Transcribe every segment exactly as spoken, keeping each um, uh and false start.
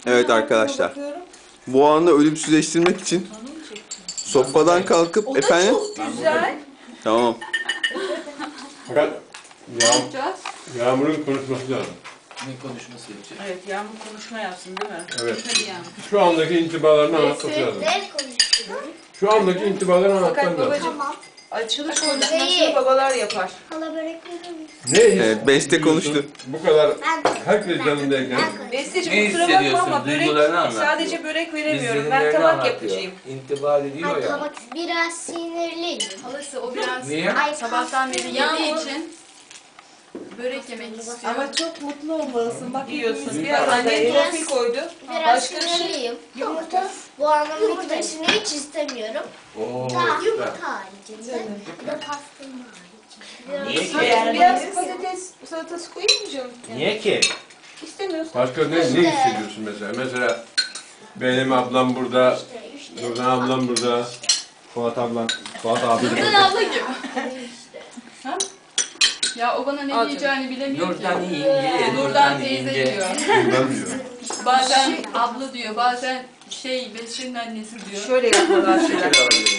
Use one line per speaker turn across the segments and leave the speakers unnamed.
Evet arkadaşlar. Bu anı ölümsüzleştirmek için sofradan kalkıp
O da
efendim.
çok güzel.
Tamam.
Fakat
Ne
yağ,
yapacağız?
Yağmur'un konuşması lazım.
Ne konuşması yapacak?
Evet, Yağmur konuşma yapsın değil mi?
Evet.
Hadi Yağmur.
Şu andaki intibalarını anlatması
Neyse,
lazım.
ne konuştuk?
Şu andaki intibalarını
Fakat
anlatman lazım.
babacığım,
Tamam.
açılış
Değil.
konuşmasını babalar yapar.
Hala börek verir misin?
Ne
Evet, Beste
hissediyorsun?
konuştu.
Bu kadar
Ben
herkes yanındayken
Ben
Besteciğim
Ne
kusura bakma
hissediyorsun?
ama börek,
Duygularını anlat
sadece
diyor.
börek veremiyorum. Ben
İzlenimlerini
tabak
anlatıyor.
yapacağım.
İntiba ediyor
Ay,
ya.
tabak biraz sinirliyim.
Halası o biraz
Niye?
Ay,
sabahtan beri
Yağmur.
yediği için börek yemek istiyor.
Ama çok mutlu olmalısın. Bak yiyorsun.
Biraz
Biraz annen
biraz-
profil koydu.
Biraz
Başka bir şey.
sinirliyim. Yumurta. Bu anın bitmesini hiç istemiyorum.
Oo,
Daha
süper.
yumurta haricinde. Bir de pastırma haricinde.
Niye ki?
Biraz, biraz patates salatası koyayım mı canım?
Niye ki?
İstemiyorsun.
başka ne, ne hissediyorsun mesela? Mesela benim ablam burada,
İşte, işte.
Nurdan ablam burada, Fuat ablam, Fuat abi de
Nurdan
burada.
abla gibi.
İşte.
Ya o bana ne
Al
diyeceğini bilemiyor
Nurdan
ki.
yenge,
Nurdan teyze diyor.
Nurdan diyor.
Bazen abla diyor, bazen şey Beşir'in annesi diyor.
Şöyle yapmalar
Şeker
şeyler.
alabilirim.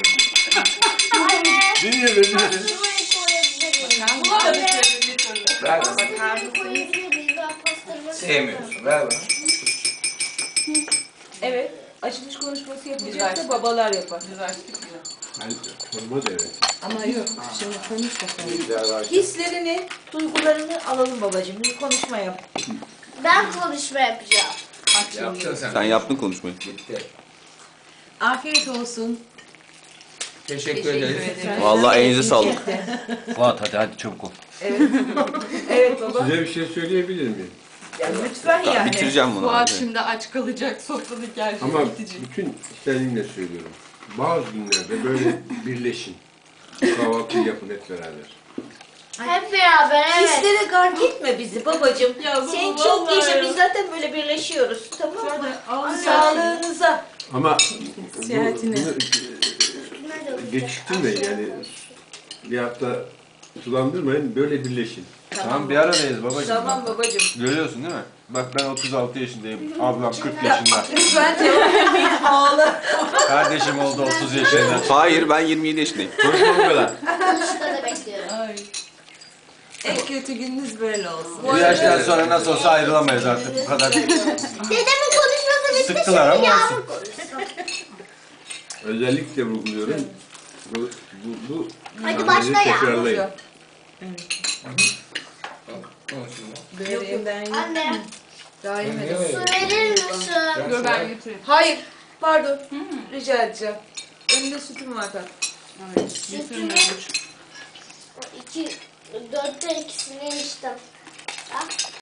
Dinle beni.
Pastırmayı koyabilir miyim?
Bulamadık böyle bir türlü.
Ver bana.
Pastırmayı koyabilir miyim? Ben pastırma
Sevmiyorsun. Ver bana.
Evet. Açılış konuşması
Biz
yapacak da
açtık.
babalar yapar.
Biz açtık ya.
Ben sorma da evet.
Ama yok. Şimdi konuş bakalım.
Güzel var.
Hislerini, duygularını alalım babacığım. Bir konuşma yap.
Ben konuşma yapacağım.
Yaptın sen.
Sen yaptın konuşmayı.
Bitti.
Afiyet olsun.
Teşekkür,
Teşekkür
ederiz.
ederim.
Vallahi elinize sağlık.
Fuat hadi hadi çabuk ol.
Evet. Evet baba.
Size bir şey söyleyebilir miyim?
Ya lütfen
Tamam,
yani.
bitireceğim bunu.
Fuat
hadi.
şimdi aç kalacak, sofradaki her şey
Ama
bitecek.
bütün içtenliğimle söylüyorum. Bazı günlerde böyle birleşin. Kahvaltı yapın hep beraber.
Hep beraber evet.
Hislere gark etme bizi babacığım.
Ya baba,
Sen çok
vallahi
yaşa
ya.
biz zaten böyle birleşiyoruz. Tamam mı?
Şöyle ağzı
Sağlığınıza.
Ama bu,
Seyahatine.
bunu e, geçiştirmeyin yani. Bir hafta sulandırmayın, böyle birleşin.
Tamam bir aradayız babacığım.
Tamam
bak.
babacığım.
Görüyorsun değil mi? Bak ben otuz altı yaşındayım. Ablam kırk yaşında.
Lütfen cevap vermeyin. Ağla.
Kardeşim oldu otuz yaşında.
Hayır, ben yirmi yedi yaşındayım.
Konuşma bu kadar.
Konuşta da bekliyorum.
Ay.
En kötü gününüz böyle olsun.
Bu yaştan sonra nasıl olsa ayrılamayız artık bu kadar.
Dedemin konuşması bitti.
Sıktılar ama olsun.
Yağmur konuşsun.
Özellikle vurguluyorum. Bu, bu, bu
Hadi
hamleyi
başla ya.
tekrarlayın.
Konuşun.
Böreğim ben yiyeyim.
Anne,
Daha yemedim.
su verir misin?
Dur ben götüreyim.
Hayır. Pardon. Rica edeceğim. Önünde sütüm var tatlım.
Ay, getirmiyorum.
İki, dörtte ikisini içtim. Ha?